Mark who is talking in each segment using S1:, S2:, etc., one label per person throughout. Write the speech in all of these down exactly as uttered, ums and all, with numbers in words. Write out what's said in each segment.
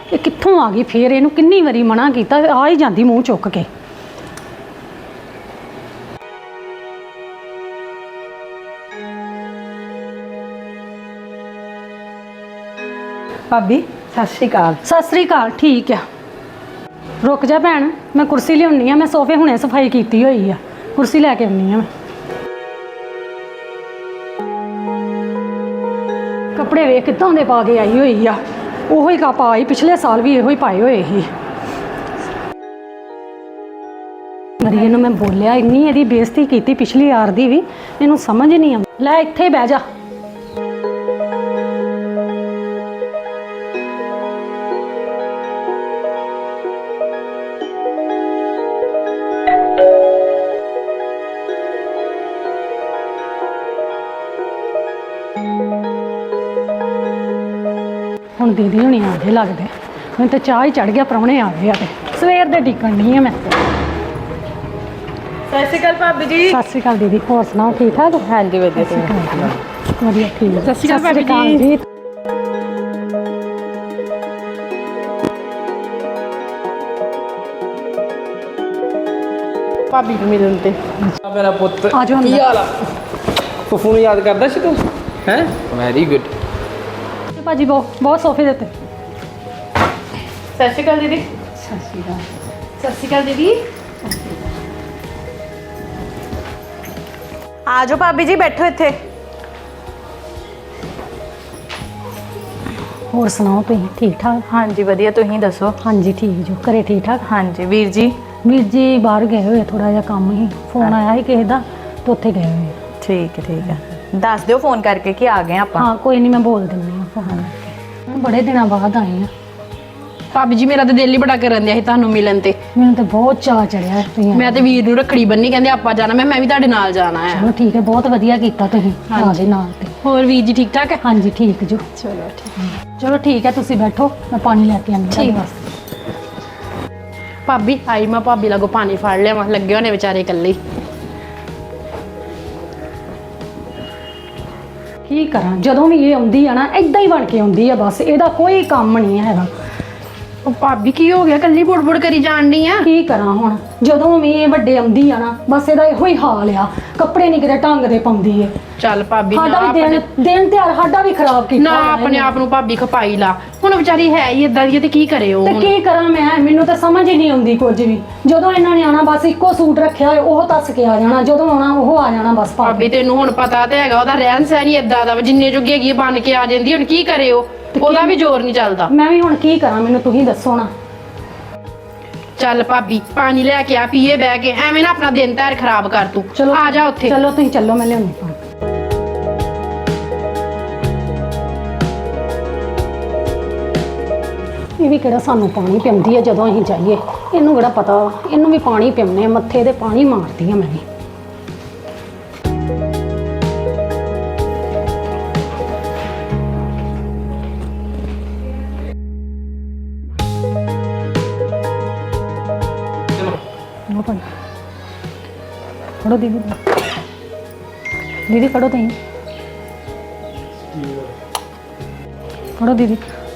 S1: ਇਹ ਕਿੱਥੋਂ ਆ ਗਈ ਫੇਰ? ਇਹਨੂੰ ਕਿੰਨੀ ਵਾਰੀ ਮਨਾ ਕੀਤਾ, ਆ ਹੀ ਜਾਂਦੀ ਮੂੰਹ ਚੁੱਕ ਕੇ।
S2: ਭਾਬੀ ਸਤਿ ਸ਼੍ਰੀ ਅਕਾਲ।
S1: ਸਤਿ ਸ੍ਰੀ ਅਕਾਲ। ਠੀਕ ਆ, ਰੁਕ ਜਾ ਭੈਣ, ਮੈਂ ਕੁਰਸੀ ਲਿਆਉਣੀ ਆ। ਮੈਂ ਸੋਫੇ ਹੁਣੇ ਸਫਾਈ ਕੀਤੀ ਹੋਈ ਆ, ਕੁਰਸੀ ਲੈ ਕੇ ਆਉਣੀ ਆ। ਮੈਂ ਕੱਪੜੇ ਵੇਖ ਕਿੱਦਾਂ ਦੇ ਪਾ ਕੇ ਆਈ ਹੋਈ ਆ। ਉਹੋ ਹੀ ਕਾ ਪਾਈ, ਪਿਛਲੇ ਸਾਲ ਵੀ ਇਹੋ ਹੀ ਪਾਏ ਹੋਏ ਸੀ। ਮਰੀਏ ਨੂੰ ਮੈਂ ਬੋਲਿਆ, ਇੰਨੀ ਇਹਦੀ ਬੇਇੱਜ਼ਤੀ ਕੀਤੀ ਪਿਛਲੀ ਵਾਰ ਦੀ ਵੀ, ਇਹਨੂੰ ਸਮਝ ਨਹੀਂ ਆਉਂਦੀ। ਲੈ ਇੱਥੇ ਬਹਿ ਜਾ। ਹੁਣ ਦੀਦੀ ਹੁਣੀ ਆ ਗਏ ਲੱਗਦੇ। ਮੈਨੂੰ ਤਾਂ ਚਾਹ ਹੀ ਚੜ ਗਿਆ, ਪ੍ਰਾਹੁਣੇ ਆ ਗਏ ਆ ਤੇ ਸਵੇਰ ਦੇ ਟਿਕਣ ਨਹੀਂ ਆ ਮੈਂ।
S2: ਸਤਿ ਸ਼੍ਰੀ ਅਕਾਲ ਭਾਬੀ ਜੀ।
S1: ਸਤਿ ਸ਼੍ਰੀ ਅਕਾਲ ਦੀਦੀ, ਹੋਰ ਸੁਣਾਓ ਠੀਕ ਠਾਕ?
S2: ਹਾਂਜੀ ਵਧੀਆ
S1: ਵਧੀਆ ਠੀਕ ਹੈ।
S2: ਸਤਿ ਸ਼੍ਰੀ ਅਕਾਲ ਭਾਬੀ ਜੀ। ਭਾਬੀ ਨੂੰ ਮਿਲਣ ਤੇ
S3: ਮੇਰਾ ਪੁੱਤ
S1: ਆ ਜਾਓ
S3: ਕੀ
S1: ਅੰਦਰ।
S3: ਹਾਲ ਆ? ਫੁੱਫੂ ਨੂੰ ਯਾਦ ਕਰਦਾ ਸੀ ਤੂੰ? ਹੈ ਵੈਰੀ ਗੁੱਡ।
S1: ਭਾਜੀ ਬਹੁਤ ਬਹੁਤ ਸੋਫੇ ਦੇ ਉੱਤੇ।
S2: ਸਤਿ ਸ਼੍ਰੀ ਅਕਾਲ ਦੀਦੀ।
S1: ਸਤਿ ਸ਼੍ਰੀ ਅਕਾਲ।
S2: ਸਤਿ ਸ਼੍ਰੀ ਅਕਾਲ ਦੀਦੀ। ਆ ਜਾਓ ਭਾਬੀ ਜੀ, ਬੈਠੋ ਇੱਥੇ।
S1: ਹੋਰ ਸੁਣਾਓ ਤੁਸੀਂ ਠੀਕ ਠਾਕ?
S2: ਹਾਂਜੀ ਵਧੀਆ, ਤੁਸੀਂ ਦੱਸੋ?
S1: ਹਾਂਜੀ ਠੀਕ ਜੋ, ਘਰੇ ਠੀਕ ਠਾਕ?
S2: ਹਾਂਜੀ ਵੀਰ ਜੀ।
S1: ਵੀਰ ਜੀ ਬਾਹਰ ਗਏ ਹੋਏ, ਥੋੜਾ ਜਿਹਾ ਕੰਮ ਹੀ, ਫੋਨ ਆਇਆ ਸੀ ਕਿਸੇ ਦਾ ਤੇ ਉੱਥੇ ਗਏ ਹੋਏ।
S2: ਠੀਕ ਹੈ ਠੀਕ ਹੈ, ਦੱਸ ਦਿਓ ਫੋਨ ਕਰਕੇ ਕਿ ਆ ਗਏ ਆਪਾਂ।
S1: ਹਾਂ ਕੋਈ ਨਹੀਂ, ਮੈਂ ਬੋਲ ਦਿੰਦੀ ਹਾਂ ਫੋਨ ਕਰਕੇ। ਬੜੇ ਦਿਨਾਂ ਬਾਅਦ ਆਏ ਆ।
S4: ਭਾਬੀ ਜੀ ਮੇਰਾ ਤਾਂ ਦਿਲ ਹੀ ਬੜਾ ਕਰਨ ਦਿਆ ਸੀ ਤੁਹਾਨੂੰ ਮਿਲਣ ਤੇ।
S1: ਮੈਨੂੰ ਤਾਂ ਬਹੁਤ ਚਾਅ ਚੜਿਆ ਤੁਸੀਂ।
S4: ਮੈਂ ਤੇ ਵੀਰ ਨੂੰ ਰੱਖੜੀ ਬੰਨੀ, ਕਹਿੰਦੇ ਆਪਾਂ ਜਾਣਾ। ਮੈਂ ਮੈਂ ਵੀ ਤੁਹਾਡੇ ਨਾਲ ਜਾਣਾ ਹੈ।
S1: ਚਲੋ ਠੀਕ ਹੈ, ਬਹੁਤ ਵਧੀਆ ਕੀਤਾ ਤੁਸੀਂ ਆ ਗਏ ਨਾਲ ਤੇ।
S4: ਹੋਰ ਵੀਰ ਜੀ ਠੀਕ ਠਾਕ ਹੈ?
S1: ਹਾਂਜੀ ਠੀਕ ਜੋ।
S4: ਚਲੋ ਠੀਕ।
S1: ਚਲੋ ਠੀਕ ਹੈ, ਤੁਸੀਂ ਬੈਠੋ, ਮੈਂ ਪਾਣੀ ਲੈ ਕੇ ਆਉਂਦੀ ਹਾਂ
S4: ਠੀਕ।
S1: ਬਸ।
S4: ਭਾਬੀ ਆਈ ਮੈਂ ਭਾਬੀ ਲਾਗੋ ਪਾਣੀ ਫੜ ਲਿਆ, ਮੈਂ ਲੱਗੇ ਹੋਣੇ ਵਿਚਾਰੇ ਇਕੱਲੇ।
S1: ਕੀ ਕਰਾਂ, ਜਦੋਂ ਵੀ ਇਹ ਆਉਂਦੀ ਆ ਨਾ ਇਦਾਂ ਹੀ ਬਣ ਕੇ ਆਉਂਦੀ ਆ ਬਸ। ਇਹਦਾ ਕੋਈ ਕੰਮ ਨਹੀਂ ਹੈਗਾ।
S4: ਉਹ ਭਾਬੀ ਕੀ ਹੋ ਗਿਆ, ਕੱਲੀ ਬੁੜ-ਬੁੜ ਕਰੀ ਜਾਣ ਡਈ ਆ?
S1: ਕੀ ਕਰਾਂ ਹੁਣ, ਜਦੋਂ ਵੀ ਇਹ ਵੱਡੇ ਆਉਂਦੀ ਆ ਨਾ ਬਸ ਇਹਦਾ ਇਹੋ ਹੀ ਹਾਲ ਆ। ਕੱਪੜੇ ਨਹੀਂ ਕਿਤੇ ਢੰਗ ਦੇ ਪਾਉਂਦੀ ਏ।
S4: ਚੱਲ ਭਾਬੀ ਨਾ
S1: ਸਾਡਾ ਵੀ
S4: ਆਪਣੇ
S1: ਦਿਨ ਦਿਨ ਤਿਉਹਾਰ ਸਾਡਾ ਵੀ ਖਰਾਬ ਕੀਤਾ
S4: ਨਾ
S1: ਹੋਇਆ
S4: ਆਪਣੇ
S1: ਇਹਨੇ।
S4: ਆਪ ਨੂੰ ਭਾਬੀ ਖਪਾਈ ਲਾ। ਹੁਣ ਵਿਚਾਰੀ ਹੈ ਹੀ ਇਦਾਂ ਦੀ ਤੇ ਕੀ ਕਰੇ ਉਹ
S1: ਤੇ
S4: ਹੁਣ?
S1: ਕੀ ਕਰਾਂ ਮੈਂ, ਮੈਨੂੰ ਤਾਂ ਸਮਝ ਹੀ ਨਹੀਂ ਆਉਂਦੀ ਕੁਝ ਵੀ। ਜਦੋਂ ਇਹਨਾਂ ਨੇ ਆਣਾ ਬਸ ਇੱਕੋ ਸੂਟ ਰੱਖਿਆ ਹੋਇਆ ਉਹ ਦੱਸ ਕੇ ਆ ਜਾਣਾ, ਜਦੋਂ ਆਉਣਾ ਉਹ ਆ ਜਾਣਾ ਬਸ ਪਾ
S4: ਭਾਬੀ
S1: ਕੇ।
S4: ਤੈਨੂੰ ਹੁਣ ਪਤਾ ਤੇ ਹੈਗਾ ਉਹਦਾ ਰਹਿਣ ਸਹਿਣ ਹੀ ਇਦਾਂ ਦਾ ਵਾ, ਜਿੰਨੇ ਜੋਗੀ ਹੈਗੀ ਬਣ ਕੇ ਆ ਜਾਂਦੀ। ਹੁਣ ਕੀ ਕਰੇ ਉਹ, ਉਹਦਾ ਵੀ ਜ਼ੋਰ ਨਹੀਂ ਚੱਲਦਾ।
S1: ਮੈਂ ਵੀ ਹੁਣ ਕੀ ਕਰਾਂ, ਮੈਨੂੰ ਤੁਸੀਂ ਦੱਸੋ ਨਾ।
S4: ਚੱਲ ਭਾਬੀ ਪਾਣੀ ਲੈ ਕੇ ਆ, ਪੀਏ ਬਹਿ ਕੇ, ਐਵੇਂ ਨਾ ਆਪਣਾ ਦਿਨ ਧਾਰ ਖਰਾਬ ਕਰ ਤੂੰ।
S1: ਚਲੋ
S4: ਆ ਜਾ ਉੱਥੇ।
S1: ਚਲੋ ਤੁਸੀਂ ਚੱਲੋ, ਮੈਂ ਲਿਆਉਣੀ ਪਾਣੀ। ਇਹ ਵੀ ਕਿਹੜਾ ਸਾਨੂੰ ਪਾਣੀ ਪਿਆਉਂਦੀ ਹੈ ਜਦੋਂ ਅਸੀਂ ਜਾਈਏ। ਇਹਨੂੰ ਕਿਹੜਾ ਪਤਾ, ਇਹਨੂੰ ਵੀ ਪਾਣੀ ਪਿਆਉਂਦੇ ਆ, ਮੱਥੇ ਤੇ ਪਾਣੀ ਮਾਰਦੀ ਆ ਮੈਂ ਵੀ। ਲਓ ਪਾਣੀ ਫੜੋ ਦੀਦੀ, ਦੀਦੀ ਫੜੋ ਤੁਸੀਂ, ਫੜੋ ਦੀਦੀ।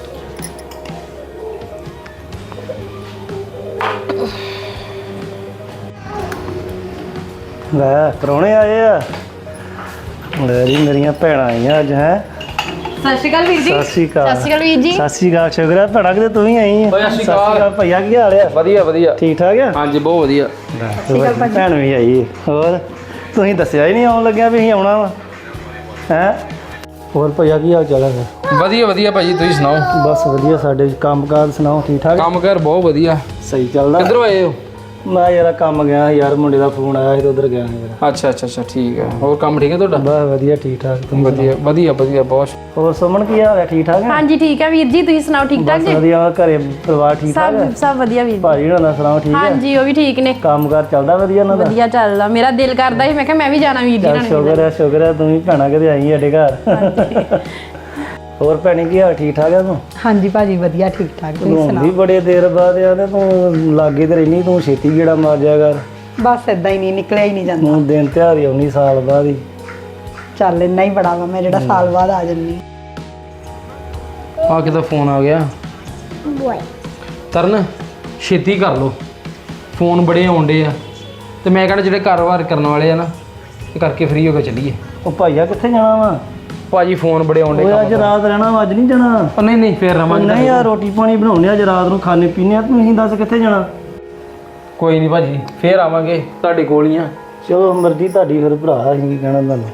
S5: ਲੈ ਪ੍ਰਾਹੁਣੇ ਆਏ ਆ। ਲੈ ਜੀ ਮੇਰੀਆਂ ਭੈਣਾਂ ਆਈਆਂ ਅੱਜ। ਹੈ
S2: ਸਤਿ ਸ਼੍ਰੀ ਅਕਾਲ ਵੀਰ ਜੀ।
S5: ਸਤਿ ਸ਼੍ਰੀ ਅਕਾਲ।
S4: ਸਤਿ ਸ਼੍ਰੀ ਅਕਾਲ ਵੀਰ ਜੀ।
S5: ਸਤਿ ਸ਼੍ਰੀ ਅਕਾਲ। ਸ਼ੁਕਰ ਹੈ ਭੈਣਾਂ ਕਿਤੇ ਤੂੰ ਹੀ ਆਈ ਹੈ।
S3: ਸਤਿ ਸ਼੍ਰੀ ਅਕਾਲ
S5: ਭਈਆ, ਕੀ ਹਾਲ ਆ?
S3: ਵਧੀਆ ਵਧੀਆ।
S5: ਠੀਕ ਠਾਕ ਆ?
S3: ਹਾਂਜੀ ਬਹੁਤ ਵਧੀਆ।
S5: ਭੈਣ ਵੀ ਆਈ ਹੈ। ਹੋਰ ਤੁਸੀਂ ਦੱਸਿਆ ਹੀ ਨਹੀਂ ਆਉਣ ਲੱਗਿਆ ਵੀ ਅਸੀਂ ਆਉਣਾ ਵਾ। ਹੈ ਹੋਰ ਭਈਆ ਕੀ ਹਾਲ ਚਾਲ ਹੈ?
S3: ਵਧੀਆ ਵਧੀਆ ਭਾਜੀ, ਤੁਸੀਂ ਸੁਣਾਓ?
S5: ਬਸ ਵਧੀਆ। ਸਾਡੇ ਕੰਮਕਾਰ ਸੁਣਾਓ, ਠੀਕ ਠਾਕ?
S3: ਕੰਮ ਕਰ ਬਹੁਤ ਵਧੀਆ।
S5: ਸਹੀ ਚੱਲਦਾ?
S3: ਕਿੱਧਰੋਂ ਆਏ ਹੋ?
S5: ਮੈਂ ਯਾਰ ਕੰਮ ਗਿਆ ਸੀ ਯਾਰ, ਮੁੰਡੇ ਦਾ ਫੋਨ ਆਇਆ ਸੀ ਤੇ ਉਧਰ ਗਿਆ ਸੀ ਯਾਰ।
S3: ਅੱਛਾ ਅੱਛਾ ਅੱਛਾ ਠੀਕ ਹੈ। ਹੋਰ ਕੰਮ ਠੀਕ ਹੈ ਤੁਹਾਡਾ?
S5: ਬਸ ਵਧੀਆ ਠੀਕ ਠਾਕ। ਤੁਸੀਂ
S3: ਵਧੀਆ ਵਧੀਆ ਵਧੀਆ ਬਹੁਤ।
S5: ਹੋਰ ਸੁਮਨ ਕੀ ਹਾਲ ਹੈ? ਠੀਕ ਠਾਕ ਹੈ?
S4: ਹਾਂਜੀ ਠੀਕ ਹੈ ਵੀਰ ਜੀ, ਤੁਸੀਂ ਸੁਣਾਓ ਠੀਕ ਠਾਕ
S5: ਬਸ
S4: ਜੀ?
S5: ਵਧੀਆ। ਘਰੇ ਪਰਿਵਾਰ ਠੀਕ ਠਾਕ ਹੈ?
S4: ਸਭ ਸਭ ਵਧੀਆ ਵੀਰ ਜੀ।
S5: ਭਾਜੀ ਹੋਣਾ ਦਾ ਸੁਣਾਓ, ਠੀਕ ਹੈ?
S4: ਹਾਂਜੀ ਉਹ ਵੀ ਠੀਕ ਨੇ,
S5: ਕੰਮਕਾਰ ਚੱਲਦਾ ਵਧੀਆ ਉਹਨਾਂ ਦਾ?
S4: ਵਧੀਆ ਚੱਲਦਾ। ਮੇਰਾ ਦਿਲ ਕਰਦਾ ਸੀ, ਮੈਂ ਕਿਹਾ ਮੈਂ ਵੀ ਜਾਣਾ ਵੀਰ ਜੀ
S5: ਚੱਲ
S4: ਨਾਲ।
S5: ਸ਼ੁਕਰ ਹੈ ਸ਼ੁਕਰ ਹੈ, ਤੂੰ ਵੀ ਭੈਣਾ ਕਦੇ ਆਈ ਸਾਡੇ ਘਰ। ਹੋਰ ਭੈਣੀ ਕੀ ਹਾਲ? ਠੀਕ ਠਾਕ ਹੈ ਤੂੰ?
S2: ਹਾਂਜੀ ਭਾਜੀ ਵਧੀਆ ਠੀਕ ਠਾਕ, ਤੁਸੀਂ
S5: ਤੂੰ ਵੀ ਬੜੇ ਦੇਰ ਬਾਅਦ ਆ ਤੇ ਤੂੰ ਲਾਗੇ ਤੇ ਰਹਿਨੀ, ਤੂੰ ਛੇਤੀ ਗੇੜਾ ਮਾਰ ਜਾ ਕਰ।
S2: ਬਸ ਇਦਾਂ ਹੀ ਨਹੀਂ ਨਿਕਲਿਆ ਹੀ ਨਹੀਂ ਜਾਂਦਾ।
S5: ਤੂੰ ਦਿਨ ਤਿਉਹਾਰ ਹੀ ਆਉਣੀ ਸਾਲ ਬਾਅਦ ਹੀ।
S2: ਚੱਲ ਇੰਨਾ ਹੀ ਬੜਾ ਵਾ, ਮੈਂ ਜਿਹੜਾ ਸਾਲ ਬਾਅਦ ਆ ਜੰਨੀ।
S3: ਆ ਕਿਦਾ ਫੋਨ ਆ ਗਿਆ? ਤਰਨ ਛੇਤੀ ਕਰ ਲੋ, ਫੋਨ ਬੜੇ ਆਉਂਦੇ ਆ ਤੇ ਮੈਂ ਕਹਿੰਦਾ ਜਿਹੜੇ ਕਾਰੋਬਾਰ ਕਰਨ ਵਾਲੇ ਆ ਨਾ ਇਹ ਕਰਕੇ ਫ੍ਰੀ ਹੋ ਕੇ ਚੱਲੀਏ।
S5: ਉਹ ਭਾਈਆ ਕਿੱਥੇ ਜਾਣਾ ਵਾ?
S3: ਭਾਜੀ ਫੋਨ ਬੜੇ ਆਉਂਦੇ
S5: ਓਏ ਅੱਜ ਰਾਤ ਰਹਿਣਾ ਵਾ, ਅੱਜ ਨਹੀਂ ਜਾਣਾ।
S3: ਉਹ ਨਹੀਂ ਨਹੀਂ ਫੇਰ ਰਵਾਂਗੇ।
S5: ਨਹੀਂ ਯਾਰ ਰੋਟੀ ਪਾਣੀ ਬਣਾਉਣੇ ਅੱਜ ਰਾਤ ਨੂੰ ਖਾਣੇ ਪੀਣੇ ਆ, ਤੁਸੀਂ ਦੱਸ ਕਿੱਥੇ ਜਾਣਾ?
S3: ਕੋਈ ਨਹੀਂ ਭਾਜੀ ਫੇਰ ਆਵਾਂਗੇ ਤੁਹਾਡੇ ਕੋਲ ਹੀ ਆ।
S5: ਚਲੋ ਮਰਜ਼ੀ ਤੁਹਾਡੀ, ਫਿਰ ਭਰਾ ਅਸੀਂ ਕੀ ਕਹਿਣਾ ਤੁਹਾਨੂੰ।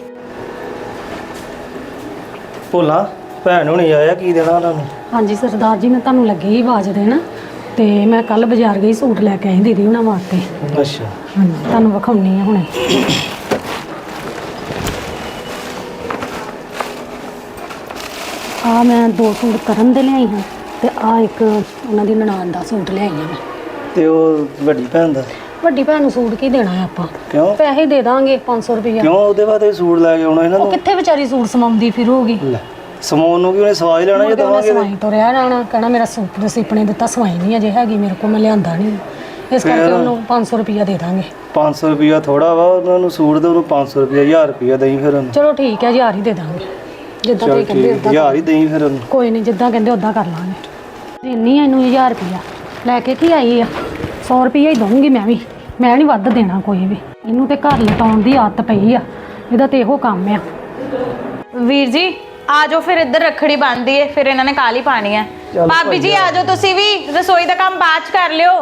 S5: ਭੋਲਾ ਭੈਣ ਹੁਣੀ ਆਇਆ, ਕੀ ਦੇਣਾ ਉਹਨਾਂ ਨੂੰ?
S1: ਹਾਂਜੀ ਸਰਦਾਰ ਜੀ, ਮੈਂ ਤੁਹਾਨੂੰ ਲੱਗੀ ਹੀ ਆਵਾਜ਼ ਦੇਣਾ ਤੇ ਮੈਂ ਕੱਲ ਬਾਜ਼ਾਰ ਗਈ, ਸੂਟ ਲੈ ਕੇ ਆਈ ਦੀਦੀ ਉਹਨਾਂ ਵਾਸਤੇ।
S5: ਅੱਛਾ
S1: ਹਾਂਜੀ ਤੁਹਾਨੂੰ ਵਿਖਾਉਣੀ ਆ ਹੁਣੇ। ਆ ਮੈਂ ਦੋ ਸੂਟ ਕਰਨ ਦੇ ਲਿਆਈ ਹਾਂ ਤੇ ਆ ਇੱਕ ਉਹਨਾਂ ਦੀ ਨਨਾਣ ਦਾ ਸੂਟ ਲਿਆਈ ਹਾਂ ਮੈਂ।
S5: ਤੇ ਉਹ ਵੱਡੀ ਭੈਣ ਦਾ
S1: ਵੱਡੀ ਭੈਣ ਨੂੰ ਸੂਟ ਕੀ ਦੇਣਾ ਹੈ ਆਪਾਂ?
S5: ਕਿਉਂ
S1: ਪੈਸੇ ਦੇ ਦਾਂਗੇ ਪੰਜ ਸੌ ਰੁਪਇਆ।
S5: ਕਿਉਂ ਉਹਦੇ ਬਾਅਦ ਸੂਟ ਲੈ ਕੇ ਆਉਣਾ ਇਹਨਾਂ
S1: ਉਹ
S5: ਨੂੰ?
S1: ਕਿੱਥੇ ਵਿਚਾਰੀ ਸੂਟ ਸਮਾਉਂਦੀ ਫਿਰੂਗੀ?
S5: ਲੈ ਸਮਾਨ ਨੂੰ ਕੀ ਉਹਨੇ ਸਵਾਈ ਲੈਣਾ ਜੇ
S1: ਉਹਨੇ
S5: ਦਵਾਂਗੇ ਤੇ?
S1: ਸਵਾਈ ਤੋਂ ਰਿਆ ਜਾਣਾ, ਕਹਿਣਾ ਮੇਰਾ ਸੂਟ ਦੇ ਸਿਪਣੇ ਦਿੱਤਾ, ਸਵਾਈ ਨਹੀਂ ਅਜੇ ਹੈਗੀ ਮੇਰੇ ਕੋਲ, ਮੈਂ ਲਿਆਂਦਾ ਨਹੀਂ, ਇਸ ਕਰਕੇ ਉਹਨੂੰ ਪੰਜ ਸੌ ਰੁਪਇਆ ਦੇ ਦਾਂਗੇ।
S5: ਪੰਜ ਸੌ ਰੁਪਇਆ ਥੋੜਾ ਵਾ, ਉਹਨਾਂ ਨੂੰ ਸੂਟ ਦੇ ਉਹਨੂੰ ਪੰਜ ਸੌ ਰੁਪਇਆ ਹਜ਼ਾਰ ਰੁਪਇਆ ਦੇਈ ਫਿਰ ਉਹਨੂੰ।
S1: ਚਲੋ ਠੀਕ ਹੈ, ਹਜ਼ਾਰ ਹੀ ਦੇ ਦਾਂਗੇ, ਜਿੱਦਾਂ
S5: ਚਲ
S1: ਤੁਸੀਂ ਕਹਿੰਦੇ
S5: ਠੀਕ
S1: ਉਦਾਂ।
S5: ਹਜ਼ਾਰ ਹੀ ਦੇਈ ਫਿਰ ਉਹਨੂੰ।
S1: ਕੋਈ ਨਹੀਂ, ਜਿੱਦਾਂ ਕਹਿੰਦੇ ਉਦਾਂ ਕਰ ਲਾਂਗੇ। ਦੇਣੀ ਆ ਇਹਨੂੰ ਹਜ਼ਾਰ ਰੁਪਇਆ, ਲੈ ਕੇ ਕੀ ਆਈ ਆ? ਸੌ ਰੁਪਇਆ ਹੀ ਦਊਂਗੀ ਮੈਂ ਵੀ, ਮੈਂ ਨਹੀਂ ਵੱਧ ਦੇਣਾ ਕੋਈ ਵੀ। ਇਹਨੂੰ ਤੇ ਘਰ ਲਟਾਉਣ ਦੀ ਆਦਤ ਪਈ ਆ, ਇਹਦਾ ਤੇ ਇਹੋ ਕੰਮ ਆ।
S2: ਵੀਰ ਜੀ ਆ ਜਾਓ, ਫਿਰ ਇੱਧਰ ਰੱਖੜੀ ਬੰਨ੍ਹਦੀ ਏ, ਫਿਰ ਇਹਨਾਂ ਨੇ ਕਾਲੀ ਪਾਣੀ ਹੈ।
S5: ਚੱਲ
S2: ਭਾਬੀ ਜੀ ਆ ਜਾਓ, ਤੁਸੀਂ ਵੀ ਰਸੋਈ ਦਾ ਕੰਮ ਬਾਅਦ ਚ ਕਰ ਲਿਓ।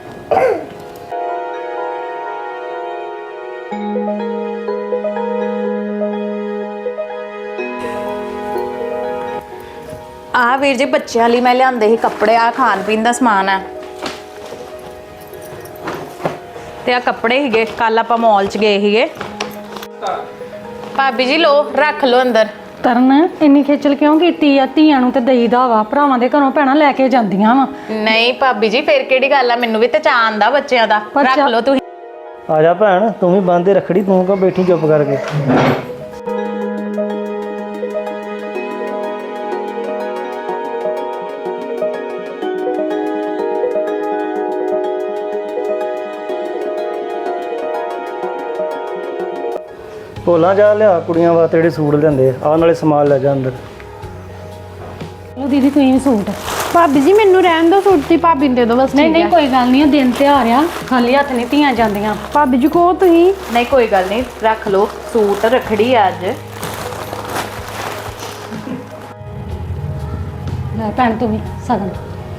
S2: ਆ ਵੀਰ ਜੀ ਬੱਚਿਆਂ ਲਈ ਮੈਂ ਲਿਆਂਦੇ ਸੀ ਕੱਪੜੇ, ਆ ਖਾਣ ਪੀਣ ਦਾ ਸਮਾਨ ਹੈ ਤੇ ਆ ਕੱਪੜੇ ਹੀਗੇ, ਕੱਲ ਆਪਾਂ ਮਾਲ ਚ ਗਏ ਸੀਗੇ। ਭਾਬੀ ਜੀ ਲੋ ਰੱਖ ਲੋ ਅੰਦਰ।
S1: ਤਰਨ ਇੰਨੀ ਖੇਚਲ ਕਿਉਂ ਕੀਤੀ ਆ? ਧੀਆਂ ਨੂੰ ਤੇ ਦੇਈਦਾ ਵਾ, ਭਰਾਵਾਂ ਦੇ ਘਰੋਂ ਭੈਣਾਂ ਲੈ ਕੇ ਜਾਂਦੀਆਂ ਵਾ।
S2: ਨਹੀਂ ਭਾਬੀ ਜੀ ਫੇਰ ਕਿਹੜੀ ਗੱਲ ਆ, ਮੈਨੂੰ ਵੀ ਤੇ ਚਾਅ ਆਂਦਾ ਬੱਚਿਆਂ ਦਾ।
S1: ਪਰ
S2: ਰੱਖ
S1: ਚਾ-
S2: ਲੋ ਤੁਸੀਂ।
S5: ਆ ਜਾ ਭੈਣ, ਤੂੰ ਵੀ ਬੰਦੇ ਰੱਖੜੀ, ਤੂੰ ਕਾ ਬੈਠੀ ਚੁੱਪ ਕਰਕੇ? ਭੋਲਾ ਜਾ ਲਿਆ ਕੁੜੀਆਂ ਵਾਸਤੇ ਜਿਹੜੇ ਸੂਟ ਲੈਂਦੇ ਆ, ਆਹ ਨਾਲੇ ਸਮਾਨ ਲੈ ਜਾ ਅੰਦਰ।
S1: ਲਓ ਦੀਦੀ ਤੁਸੀਂ ਵੀ ਸੂਟ।
S4: ਭਾਬੀ ਜੀ ਮੈਨੂੰ ਰਹਿਣ ਦਿਓ, ਸੂਟ ਦੀ ਭਾਬੀ ਨੂੰ ਦੇ ਦਿਓ ਬਸ।
S1: ਨਹੀਂ
S4: ਠੀਕ
S1: ਨਹੀਂ
S4: ਹੈ।
S1: ਕੋਈ ਗੱਲ ਨਹੀਂ, ਦਿਨ ਤਿਉਹਾਰ ਆ, ਖਾਲੀ ਹੱਥ ਨਹੀਂ ਧੀਆਂ ਜਾਂਦੀਆਂ।
S4: ਭਾਬੀ ਜੀ ਕਹੋ ਤੁਸੀਂ।
S2: ਨਹੀਂ ਕੋਈ ਗੱਲ ਨਹੀਂ, ਰੱਖ ਲੋ ਸੂਟ, ਰੱਖੜੀ ਆ ਅੱਜ।
S1: ਲੈ ਭੈਣ ਤੂੰ ਵੀ ਸਗਨ।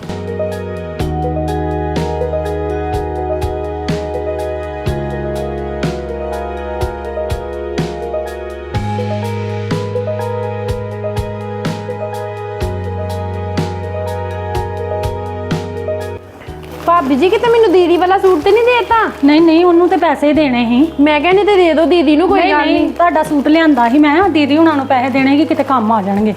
S4: ਭਾਬੀ ਜੀ ਕਿਤੇ ਮੈਨੂੰ ਦੀਦੀ ਵਾਲਾ ਸੂਟ ਤੇ ਨਹੀਂ ਦੇਤਾ?
S1: ਨਹੀਂ ਨਹੀਂ, ਉਹਨੂੰ ਤੇ ਪੈਸੇ ਦੇਣੇ ਸੀ।
S4: ਮੈਂ ਕਹਿੰਦੀ ਤੇ ਦੇ ਦਿਓ ਦੀਦੀ ਨੂੰ, ਕੋਈ
S1: ਨਹੀਂ
S4: ਗੱਲ
S1: ਨਹੀਂ,
S4: ਨਹੀਂ।
S1: ਤੁਹਾਡਾ ਸੂਟ ਲਿਆਂਦਾ ਸੀ ਮੈਂ, ਦੀਦੀ ਹੁਣਾਂ ਨੂੰ ਪੈਸੇ ਦੇਣੇ ਕਿ ਕਿਤੇ ਕੰਮ ਆ ਜਾਣਗੇ।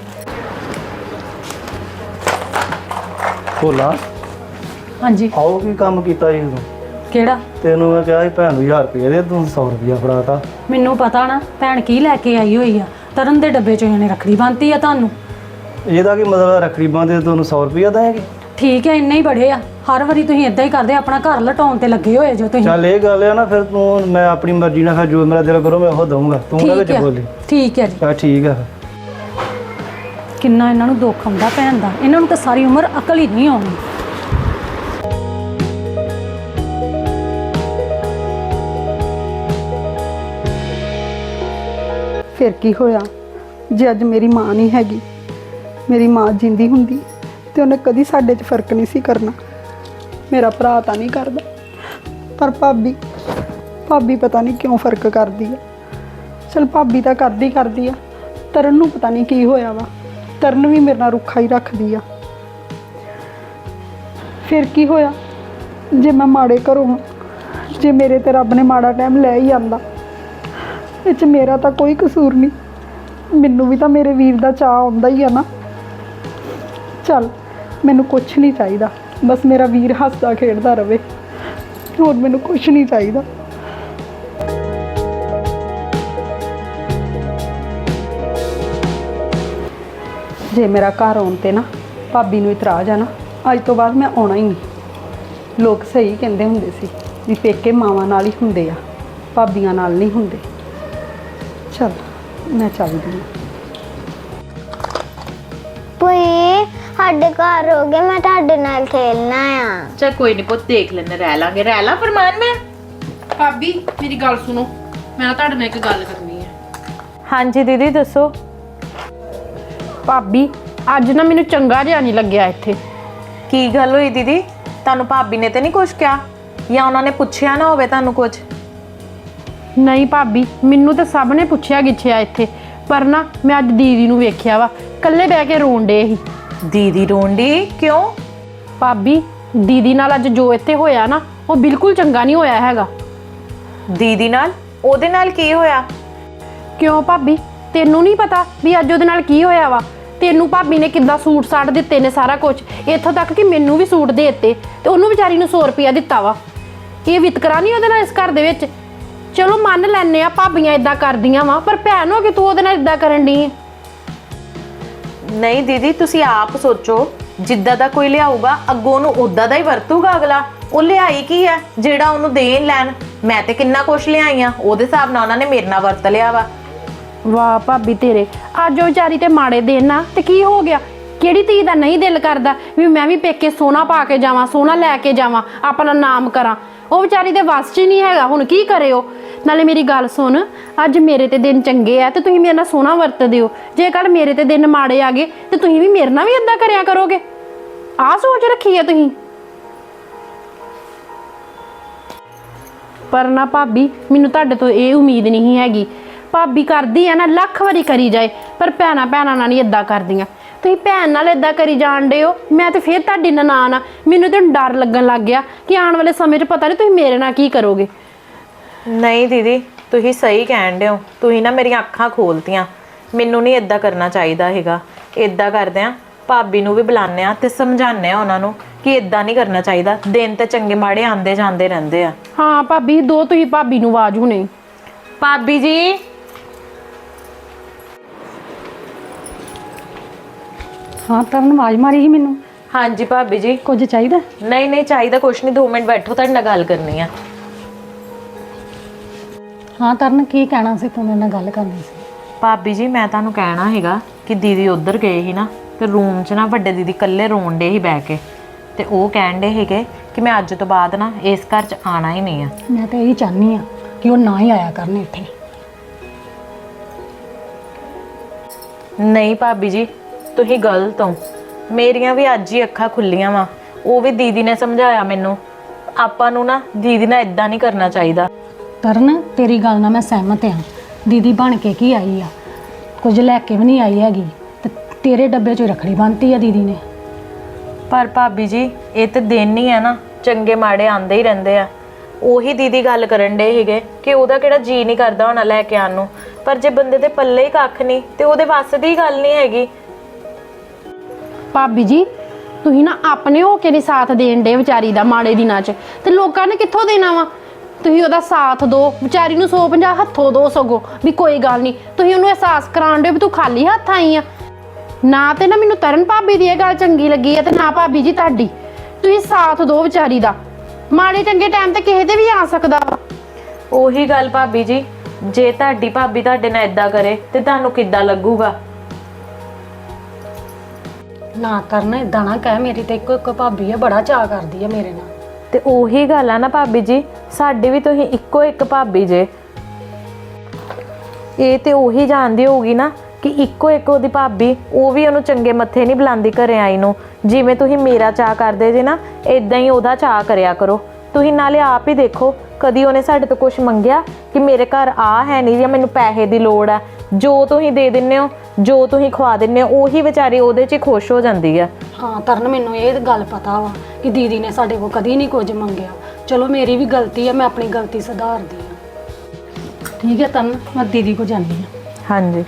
S5: ਭੋਲਾ
S1: ਹਾਂਜੀ
S5: ਆਓ ਕੀ ਕੰਮ ਕੀਤਾ ਜੀ ਤੂੰ?
S1: ਕਿਹੜਾ?
S5: ਤੈਨੂੰ ਮੈਂ ਕਿਹਾ ਸੀ ਭੈਣ ਨੂੰ ਹਜ਼ਾਰ ਰੁਪਇਆ ਦੇ, ਤੂੰ ਸੌ ਰੁਪਇਆ ਫੜਾਤਾ।
S1: ਮੈਨੂੰ ਪਤਾ ਨਾ ਭੈਣ ਕੀ ਲੈ ਕੇ ਆਈ ਹੋਈ ਆ। ਤਰਨ ਦੇ ਡੱਬੇ ਚੋਂ ਇਹਨੇ ਰੱਖੜੀ ਬੰਨ੍ਹਤੀ ਆ ਤੁਹਾਨੂੰ।
S5: ਇਹਦਾ ਕੀ ਮਤਲਬ? ਰੱਖੜੀ ਬੰਨ੍ਹਦੇ ਤੁਹਾਨੂੰ ਸੌ ਰੁਪਇਆ ਦੇਣਗੇ?
S1: ਠੀਕ ਹੈ, ਇੰਨੇ ਹੀ ਬੜੇ ਆ। ਹਰ ਵਾਰੀ ਤੁਸੀਂ ਇਦਾਂ ਹੀ ਕਰਦੇ, ਆਪਣਾ ਘਰ ਲਟਾਉਣ ਤੇ ਲੱਗੇ ਹੋਏ ਜੋ ਤੁਸੀਂ।
S5: ਚੱਲ ਇਹ ਗੱਲ ਆ ਨਾ, ਫਿਰ ਤੂੰ ਮੈਂ ਆਪਣੀ ਮਰਜ਼ੀ ਨਾਲ ਫਿਰ ਜੋ ਮੇਰਾ ਦਿਲ ਕਰੋ ਮੈਂ ਉਹ ਦਊਂਗਾ, ਤੂੰ ਨਾ ਵਿੱਚ
S1: ਠੀਕ ਹੈ
S5: ਬੋਲੀ।
S1: ਠੀਕ ਹੈ ਜੀ।
S5: ਚੱਲ ਠੀਕ ਆ।
S1: ਕਿੰਨਾ ਇਹਨਾਂ ਨੂੰ ਦੁੱਖ ਆਉਂਦਾ ਭੈਣ ਦਾ, ਇਹਨਾਂ ਨੂੰ ਤਾਂ ਸਾਰੀ ਉਮਰ ਅਕਲ ਹੀ ਨਹੀਂ ਆਉਣੀ।
S6: ਫਿਰ ਕੀ ਹੋਇਆ ਜੇ ਅੱਜ ਮੇਰੀ ਮਾਂ ਨਹੀਂ ਹੈਗੀ? ਮੇਰੀ ਮਾਂ ਜਿੰਦੀ ਹੁੰਦੀ ਤੇ ਉਹਨੇ ਕਦੀ ਸਾਡੇ 'ਚ ਫਰਕ ਨਹੀਂ ਸੀ ਕਰਨਾ। ਮੇਰਾ ਭਰਾ ਤਾਂ ਨਹੀਂ ਕਰਦਾ, ਪਰ ਭਾਬੀ ਭਾਬੀ ਪਤਾ ਨਹੀਂ ਕਿਉਂ ਫਰਕ ਕਰਦੀ ਆ। ਚਲ ਭਾਬੀ ਤਾਂ ਕਰਦੀ ਕਰਦੀ ਆ, ਤਰਨ ਨੂੰ ਪਤਾ ਨਹੀਂ ਕੀ ਹੋਇਆ ਵਾ, ਤਰਨ ਵੀ ਮੇਰੇ ਨਾਲ ਰੁੱਖਾ ਹੀ ਰੱਖਦੀ ਆ। ਫਿਰ ਕੀ ਹੋਇਆ ਜੇ ਮੈਂ ਮਾੜੇ ਘਰੋਂ ਹਾਂ, ਜੇ ਮੇਰੇ ਤੇ ਰੱਬ ਨੇ ਮਾੜਾ ਟਾਈਮ ਲੈ ਹੀ ਆਂਦਾ, ਇਹ 'ਚ ਮੇਰਾ ਤਾਂ ਕੋਈ ਕਸੂਰ ਨਹੀਂ। ਮੈਨੂੰ ਵੀ ਤਾਂ ਮੇਰੇ ਵੀਰ ਦਾ ਚਾਅ ਆਉਂਦਾ ਹੀ ਆ ਨਾ। ਚੱਲ ਮੈਨੂੰ ਕੁਛ ਨਹੀਂ ਚਾਹੀਦਾ, ਬਸ ਮੇਰਾ ਵੀਰ ਹੱਸਦਾ ਖੇਡਦਾ ਰਵੇ, ਹੋਰ ਮੈਨੂੰ ਕੁਛ ਨਹੀਂ ਚਾਹੀਦਾ। ਜੇ ਮੇਰਾ ਘਰ ਆਉਣ ਤੇ ਨਾ ਭਾਬੀ ਨੂੰ ਇਤਰਾਜ਼ ਆ ਨਾ, ਅੱਜ ਤੋਂ ਬਾਅਦ ਮੈਂ ਆਉਣਾ ਹੀ ਨਹੀਂ। ਲੋਕ ਸਹੀ ਕਹਿੰਦੇ ਹੁੰਦੇ ਸੀ ਵੀ ਪੇਕੇ ਮਾਵਾਂ ਨਾਲ ਹੀ ਹੁੰਦੇ ਆ, ਭਾਬੀਆਂ ਨਾਲ ਨਹੀਂ ਹੁੰਦੇ। ਚਲ ਮੈਂ ਚੱਲਦੀ ਹਾਂ।
S7: ਪੁਏ ਸਾਡੇ ਘਰ ਹੋ ਗਏ, ਮੈਂ ਤੁਹਾਡੇ ਨਾਲ ਖੇਲਣਾ ਆ।
S2: ਚੱਲ ਕੋਈ ਨਹੀਂ ਪੁੱਤ, ਦੇਖ ਲੈਣੇ, ਰਹਿ ਲਾਂਗੇ, ਰਹਿ ਲਾ ਫਰਮਾਨ ਮੈਂ।
S4: ਭਾਬੀ ਮੇਰੀ ਗੱਲ ਸੁਣੋ, ਮੈਂ ਨਾ ਤੁਹਾਡੇ ਨਾਲ ਇੱਕ ਗੱਲ ਕਰਨੀ ਹੈ।
S2: ਹਾਂਜੀ ਦੀਦੀ ਦੱਸੋ।
S4: ਭਾਬੀ ਅੱਜ ਨਾ ਮੈਨੂੰ ਚੰਗਾ ਜਿਹਾ ਨਹੀਂ ਲੱਗਿਆ ਇੱਥੇ।
S2: ਕੀ ਗੱਲ ਹੋਈ ਦੀਦੀ? ਤੁਹਾਨੂੰ ਭਾਬੀ ਨੇ ਤੇ ਨਹੀਂ ਕੁਝ ਕਿਹਾ, ਜਾਂ ਉਹਨਾਂ ਨੇ ਪੁੱਛਿਆ ਨਾ ਹੋਵੇ ਤੁਹਾਨੂੰ ਕੁਝ?
S4: ਨਹੀਂ ਭਾਬੀ, ਮੈਨੂੰ ਤਾਂ ਸਭ ਨੇ ਪੁੱਛਿਆ ਗਿੱਛਿਆ ਇੱਥੇ, ਪਰ ਨਾ ਮੈਂ ਅੱਜ ਦੀਦੀ ਨੂੰ ਵੇਖਿਆ ਵਾ ਇਕੱਲੇ ਬਹਿ ਕੇ ਰੋਣ ਡੇ ਸੀ।
S2: ਦੀਦੀ ਰੋਂਡੀ ਕਿਉਂ?
S4: ਭਾਬੀ ਦੀਦੀ ਨਾਲ ਅੱਜ ਜੋ ਇੱਥੇ ਹੋਇਆ ਨਾ, ਉਹ ਬਿਲਕੁਲ ਚੰਗਾ ਨਹੀਂ ਹੋਇਆ ਹੈਗਾ।
S2: ਦੀਦੀ ਨਾਲ? ਉਹਦੇ ਨਾਲ ਕੀ ਹੋਇਆ?
S4: ਕਿਉਂ ਭਾਬੀ, ਤੈਨੂੰ ਨਹੀਂ ਪਤਾ ਵੀ ਅੱਜ ਉਹਦੇ ਨਾਲ ਕੀ ਹੋਇਆ ਵਾ? ਤੈਨੂੰ ਭਾਬੀ ਨੇ ਕਿੱਦਾਂ ਸੂਟ ਸਾੜ ਦਿੱਤੇ ਨੇ, ਸਾਰਾ ਕੁਝ, ਇੱਥੋਂ ਤੱਕ ਕਿ ਮੈਨੂੰ ਵੀ ਸੂਟ ਦੇ ਦਿੱਤੇ, ਤੇ ਉਹਨੂੰ ਵਿਚਾਰੀ ਨੂੰ ਸੌ ਰੁਪਇਆ ਦਿੱਤਾ ਵਾ। ਇਹ ਵਿਤਕਰਾ ਨਹੀਂ ਉਹਦੇ ਨਾਲ ਇਸ ਘਰ ਦੇ ਵਿੱਚ? ਚਲੋ ਮੰਨ ਲੈਨੇ ਆ ਭਾਬੀਆਂ ਇਦਾਂ ਕਰਦੀਆਂ ਵਾ, ਪਰ ਭੈਣ ਹੋ ਕੇ ਤੂੰ ਉਹਦੇ ਨਾਲ ਇਦਾਂ ਕਰਨ ਦੀ।
S2: ਨਹੀਂ ਦੀਦੀ, ਤੁਸੀਂ ਆਪ ਸੋਚੋ, ਜਿੱਦਾਂ ਦਾ ਕੋਈ ਲਿਆਊਗਾ ਅੱਗੋਂ ਉਹਨੂੰ ਉਦਾਂ ਦਾ ਹੀ ਵਰਤੂਗਾ ਅਗਲਾ। ਉਹ ਲਿਆਈ ਕੀ ਹੈ ਜਿਹੜਾ ਉਹਨੂੰ ਦੇਣ ਲੈਣ? ਮੈਂ ਤੇ ਕਿੰਨਾ ਕੁਛ ਲਿਆਈਆਂ, ਉਹਦੇ ਹਿਸਾਬ ਨਾਲ ਉਹਨਾਂ ਨੇ ਮੇਰੇ ਨਾਲ ਵਰਤ ਲਿਆ ਵਾ।
S4: ਵਾਹ ਭਾਬੀ ਤੇਰੇ, ਅੱਜ ਉਹ ਵਿਚਾਰੀ ਤੇ ਮਾੜੇ ਦਿਨ ਨਾ, ਤੇ ਕੀ ਹੋ ਗਿਆ? ਕਿਹੜੀ ਧੀ ਦਾ ਨਹੀਂ ਦਿਲ ਕਰਦਾ ਵੀ ਮੈਂ ਵੀ ਪੇਕੇ ਸੋਨਾ ਪਾ ਕੇ ਜਾਵਾਂ, ਸੋਨਾ ਲੈ ਕੇ ਜਾਵਾਂ, ਆਪਣਾ ਨਾਮ ਕਰਾਂ? ਉਹ ਵਿਚਾਰੀ ਦੇ ਵੱਸ 'ਚ ਹੀ ਨਹੀਂ ਹੈਗਾ, ਹੁਣ ਕੀ ਕਰੇ ਉਹ? ਨਾਲੇ ਮੇਰੀ ਗੱਲ ਸੁਣ, ਅੱਜ ਮੇਰੇ ਤੇ ਦਿਨ ਚੰਗੇ ਆ ਤੇ ਤੁਸੀਂ ਮੇਰੇ ਨਾਲ ਸੋਨਾ ਵਰਤਦੇ ਹੋ, ਜੇ ਕੱਲ ਮੇਰੇ ਤੇ ਦਿਨ ਮਾੜੇ ਆ ਗਏ ਤੇ ਤੁਸੀਂ ਵੀ ਮੇਰੇ ਨਾਲ ਵੀ ਏਦਾਂ ਕਰਿਆ ਕਰੋਗੇ? ਆਹ ਸੋਚ ਰੱਖੀ ਹੈ ਤੁਸੀਂ? ਪਰ ਨਾ ਭਾਬੀ, ਮੈਨੂੰ ਤੁਹਾਡੇ ਤੋਂ ਇਹ ਉਮੀਦ ਨਹੀਂ ਹੈਗੀ। ਭਾਬੀ ਕਰਦੀ ਆ ਨਾ ਲੱਖ ਵਾਰੀ ਕਰੀ ਜਾਏ, ਪਰ ਭੈਣਾਂ ਭੈਣਾਂ ਨਾਲ ਨਹੀਂ ਏਦਾਂ ਕਰਦੀਆਂ। ਤੁਸੀਂ ਭੈਣ ਨਾਲ ਏਦਾਂ ਕਰੀ ਜਾਣ ਡੇ ਹੋ, ਮੈਂ ਤੇ ਫਿਰ ਤੁਹਾਡੀ ਨਨਾਣ ਆ, ਮੈਨੂੰ ਤਾਂ ਡਰ ਲੱਗਣ ਲੱਗ ਗਿਆ ਕਿ ਆਉਣ ਵਾਲੇ ਸਮੇਂ 'ਚ ਪਤਾ ਨਹੀਂ ਤੁਸੀਂ ਮੇਰੇ ਨਾਲ ਕੀ ਕਰੋਗੇ।
S2: ਨਹੀਂ ਦੀਦੀ, ਤੁਸੀਂ ਸਹੀ ਕਹਿਣ ਡਏ ਹੋ, ਤੁਸੀਂ ਨਾ ਮੇਰੀਆਂ ਅੱਖਾਂ ਖੋਲਤੀਆਂ। ਮੈਨੂੰ ਨਹੀਂ ਇਦਾਂ ਕਰਨਾ ਚਾਹੀਦਾ ਹੈਗਾ। ਇਦਾਂ ਕਰਦੇ ਆ, ਭਾਬੀ ਨੂੰ ਵੀ ਬੁਲਾਉਂਦੇ ਆ ਤੇ ਸਮਝਾਉਂਦੇ ਆ ਉਹਨਾਂ ਨੂੰ ਕਿ ਇਦਾਂ ਨਹੀਂ ਕਰਨਾ ਚਾਹੀਦਾ। ਦਿਨ ਤੇ ਚੰਗੇ ਮਾੜੇ ਆਉਂਦੇ ਜਾਂਦੇ ਰਹਿੰਦੇ ਆ।
S4: ਹਾਂ ਭਾਬੀ, ਦੋ ਤੁਸੀਂ ਭਾਬੀ ਨੂੰ ਆਵਾਜ਼ ਹੁਣੇ।
S2: ਭਾਬੀ ਜੀ।
S1: ਹਾਂ ਤਰਨ, ਆਵਾਜ਼ ਮਾਰੀ ਸੀ ਮੈਨੂੰ।
S2: ਹਾਂਜੀ ਭਾਬੀ ਜੀ।
S1: ਕੁਝ ਚਾਹੀਦਾ?
S2: ਨਹੀਂ ਨਹੀਂ ਚਾਹੀਦਾ ਕੁਛ ਨਹੀਂ, ਦੋ ਮਿੰਟ ਬੈਠੋ, ਤੁਹਾਡੇ ਨਾਲ ਗੱਲ ਕਰਨੀ ਆ।
S1: ਹਾਂ ਤਰਨ, ਕੀ ਕਹਿਣਾ ਸੀ ਤੂੰ? ਮੇਰੇ ਨਾਲ ਗੱਲ ਕਰਨੀ ਸੀ।
S2: ਭਾਬੀ ਜੀ, ਮੈਂ ਤੁਹਾਨੂੰ ਕਹਿਣਾ ਹੈਗਾ ਕਿ ਦੀਦੀ ਉੱਧਰ ਗਏ ਸੀ ਨਾ, ਤੇ ਰੂਮ 'ਚ ਨਾ ਵੱਡੇ ਦੀਦੀ ਇਕੱਲੇ ਰੋਣ ਡੇ ਸੀ ਬਹਿ ਕੇ, ਤੇ ਉਹ ਕਹਿਣ ਡੇ ਹੈਗੇ ਕਿ ਮੈਂ ਅੱਜ ਤੋਂ ਬਾਅਦ ਨਾ ਇਸ ਘਰ 'ਚ ਆਣਾ ਹੀ ਨਹੀਂ ਆ।
S1: ਮੈਂ ਤਾਂ ਇਹੀ ਚਾਹਨੀ ਆ ਕਿ ਉਹ ਨਾ ਹੀ ਆਇਆ ਕਰਨ ਇੱਥੇ।
S2: ਨਹੀਂ ਭਾਬੀ ਜੀ, ਤੁਸੀਂ ਗਲਤ ਹੋ। ਮੇਰੀਆਂ ਵੀ ਅੱਜ ਹੀ ਅੱਖਾਂ ਖੁੱਲੀਆਂ ਵਾ। ਉਹ ਵੀ ਦੀਦੀ ਨੇ ਸਮਝਾਇਆ ਮੈਨੂੰ, ਆਪਾਂ ਨੂੰ ਨਾ ਦੀਦੀ ਨਾਲ ਇਦਾਂ ਨਹੀਂ ਕਰਨਾ ਚਾਹੀਦਾ।
S1: ਤਰਨ, ਤੇਰੀ ਗੱਲ ਨਾਲ ਮੈਂ ਸਹਿਮਤ ਹਾਂ। ਦੀਦੀ ਬਣ ਕੇ ਕੀ ਆਈ ਆ? ਕੁਝ ਲੈ ਕੇ ਵੀ ਨਹੀਂ ਆਈ ਹੈਗੀ, ਤੇ ਤੇਰੇ ਡੱਬੇ 'ਚੋਂ ਰੱਖੜੀ ਬੰਨ੍ਹਤੀ ਆ ਦੀਦੀ ਨੇ।
S2: ਪਰ ਭਾਬੀ ਜੀ, ਇਹ ਤੇ ਦਿਨ ਹੀ ਆ ਨਾ, ਚੰਗੇ ਮਾੜੇ ਆਉਂਦੇ ਹੀ ਰਹਿੰਦੇ ਆ। ਉਹੀ ਦੀਦੀ ਗੱਲ ਕਰਨ ਡੇ ਸੀਗੇ ਕਿ ਉਹਦਾ ਕਿਹੜਾ ਜੀ ਨਹੀਂ ਕਰਦਾ ਹੋਣਾ ਲੈ ਕੇ ਆਉਣ ਨੂੰ, ਪਰ ਜੇ ਬੰਦੇ ਦੇ ਪੱਲੇ ਹੀ ਕੱਖ ਨਹੀਂ ਤੇ ਉਹਦੇ ਵੱਸ ਦੀ ਗੱਲ ਨਹੀਂ ਹੈਗੀ।
S4: ਭਾਬੀ ਜੀ, ਤੁਸੀਂ ਨਾ ਆਪਣੇ ਹੋ ਕੇ ਨਹੀਂ ਸਾਥ ਦੇਣ ਡੇ ਵਿਚਾਰੀ ਦਾ ਮਾੜੇ ਦਿਨਾਂ 'ਚ, ਤੇ ਲੋਕਾਂ ਨੇ ਕਿੱਥੋਂ ਦੇਣਾ ਵਾ? ਤੁਸੀਂ ਉਹਦਾ ਸਾਥ ਦਿਓ, ਵਿਚਾਰੀ ਨੂੰ ਸੌ ਪੰਜਾਹ ਹੱਥੋਂ ਦੋ ਸਗੋ ਵੀ ਕੋਈ ਗੱਲ ਨਹੀਂ। ਤੁਸੀਂ ਉਹਨੂੰ ਅਹਿਸਾਸ ਕਰਾਉਣ ਦਿਓ ਵੀ ਤੂੰ ਖਾਲੀ ਹੱਥ ਆਈ ਆ। ਨਾ ਤੇ ਨਾ ਮੈਨੂੰ ਤਰਨ ਭਾਬੀ ਦੀ ਇਹ ਗੱਲ ਚੰਗੀ ਲੱਗੀ ਹੈ, ਤੇ ਨਾ ਭਾਬੀ ਜੀ ਤੁਹਾਡੀ। ਤੁਸੀਂ ਸਾਥ ਦਿਓ ਵਿਚਾਰੀ ਦਾ, ਮਾੜੇ ਚੰਗੇ ਟਾਈਮ ਤੇ ਕਿਸੇ ਦੇ ਵੀ ਆ ਸਕਦਾ ਵਾ।
S2: ਉਹੀ ਗੱਲ ਭਾਬੀ ਜੀ, ਜੇ ਤੁਹਾਡੀ ਭਾਬੀ ਤੁਹਾਡੇ ਨਾਲ ਇਦਾਂ ਕਰੇ ਤੇ ਤੁਹਾਨੂੰ ਕਿੱਦਾਂ ਲੱਗੂਗਾ?
S1: ਨਾ ਕਰਨ, ਇਦਾਂ ਨਾ ਕਹਿ। ਮੇਰੀ ਤੇ ਇੱਕੋ ਇੱਕ ਭਾਬੀ ਆ, ਬੜਾ ਚਾਅ ਕਰਦੀ ਆ ਮੇਰੇ ਨਾਲ।
S2: ਤੇ ਉਹੀ ਗੱਲ ਆ ਨਾ ਭਾਬੀ ਜੀ, ਸਾਡੀ ਵੀ ਤੁਸੀਂ ਇੱਕੋ ਇੱਕ ਭਾਬੀ ਜੇ। ਇਹ ਤੇ ਉਹੀ ਜਾਣਦੀ ਹੋਊਗੀ ਨਾ ਕਿ ਇੱਕੋ ਇੱਕ ਉਹਦੀ ਭਾਬੀ, ਉਹ ਵੀ ਉਹਨੂੰ ਚੰਗੇ ਮੱਥੇ ਨਹੀਂ ਬੁਲਾਉਂਦੀ ਘਰੇ ਆਈ ਨੂੰ। ਜਿਵੇਂ ਤੁਸੀਂ ਮੇਰਾ ਚਾਅ ਕਰਦੇ ਜੇ ਨਾ, ਇਦਾਂ ਹੀ ਉਹਦਾ ਚਾਅ ਕਰਿਆ ਕਰੋ। ਤੁਸੀਂ ਨਾਲੇ ਆਪ ਹੀ ਦੇਖੋ, ਕਦੀ ਉਹਨੇ ਸਾਡੇ ਤੋਂ ਕੁਝ ਮੰਗਿਆ ਕਿ ਮੇਰੇ ਘਰ ਆ ਹੈ ਨਹੀਂ ਜਾਂ ਮੈਨੂੰ ਪੈਸੇ ਦੀ ਲੋੜ ਆ? ਜੋ ਤੁਸੀਂ ਦੇ ਦਿੰਦੇ ਹੋ, ਜੋ ਤੁਸੀਂ ਖਵਾ ਦਿੰਦੇ ਹੋ, ਉਹੀ ਵਿਚਾਰੀ ਉਹਦੇ 'ਚ ਹੀ ਖੁਸ਼ ਹੋ ਜਾਂਦੀ ਆ।
S1: ਹਾਂ ਤਰਨ, ਮੈਨੂੰ ਇਹ ਗੱਲ ਪਤਾ ਵਾ ਕਿ ਦੀਦੀ ਨੇ ਸਾਡੇ ਕੋਲ ਕਦੀ ਨਹੀਂ ਕੁਝ ਮੰਗਿਆ। ਚਲੋ ਮੇਰੀ ਵੀ ਗਲਤੀ ਆ, ਮੈਂ ਆਪਣੀ ਗਲਤੀ ਸੁਧਾਰਦੀ ਆ। ਠੀਕ ਹੈ ਤਰਨ, ਮੈਂ ਦੀਦੀ ਕੋਲ ਜਾਂਦੀ ਆ।
S2: ਹਾਂਜੀ।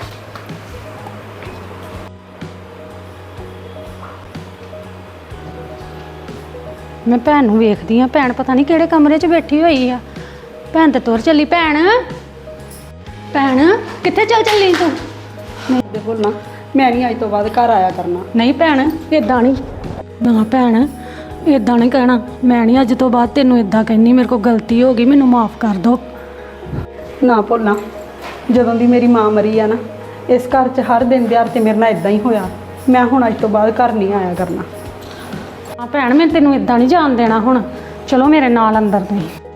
S1: ਮੈਂ ਭੈਣ ਨੂੰ ਵੇਖਦੀ ਆ, ਭੈਣ ਪਤਾ ਨਹੀਂ ਕਿਹੜੇ ਕਮਰੇ 'ਚ ਬੈਠੀ ਹੋਈ ਆ। ਭੈਣ ਤੇ ਤੁਰ ਚੱਲੀ। ਭੈਣ, ਭੈਣ ਕਿੱਥੇ ਚੱਲ ਚੱਲੀ ਤੂੰ?
S6: ਨਹੀਂ ਦੇਖੋ ਨਾ, ਮੈਂ ਨਹੀਂ ਅੱਜ ਤੋਂ ਬਾਅਦ ਘਰ ਆਇਆ ਕਰਨਾ।
S1: ਨਹੀਂ ਭੈਣ, ਇਦਾਂ ਨਹੀਂ। ਨਾ ਭੈਣ, ਇਦਾਂ ਨਹੀਂ ਕਹਿਣਾ। ਮੈਂ ਨਹੀਂ ਅੱਜ ਤੋਂ ਬਾਅਦ ਤੈਨੂੰ ਇਦਾਂ ਕਹਿੰਦੀ। ਮੇਰੇ ਕੋਲ ਗਲਤੀ ਹੋ ਗਈ, ਮੈਨੂੰ ਮਾਫ ਕਰ ਦਿਓ।
S6: ਨਾ ਭੁੱਲਣਾ, ਜਦੋਂ ਦੀ ਮੇਰੀ ਮਾਂ ਮਰੀ ਆ ਨਾ, ਇਸ ਘਰ 'ਚ ਹਰ ਦਿਨ ਦਿਹਾੜ ਤੇ ਮੇਰੇ ਨਾਲ ਇਦਾਂ ਹੀ ਹੋਇਆ। ਮੈਂ ਹੁਣ ਅੱਜ ਤੋਂ ਬਾਅਦ ਘਰ ਨਹੀਂ ਆਇਆ ਕਰਨਾ।
S1: ਆ ਭੈਣ ਮੈਂ ਤੈਨੂੰ ਇਦਾਂ ਨਹੀਂ ਜਾਣ ਦੇਣਾ ਹੁਣ। ਚਲੋ ਮੇਰੇ ਨਾਲ ਅੰਦਰ ਤੁਸੀਂ।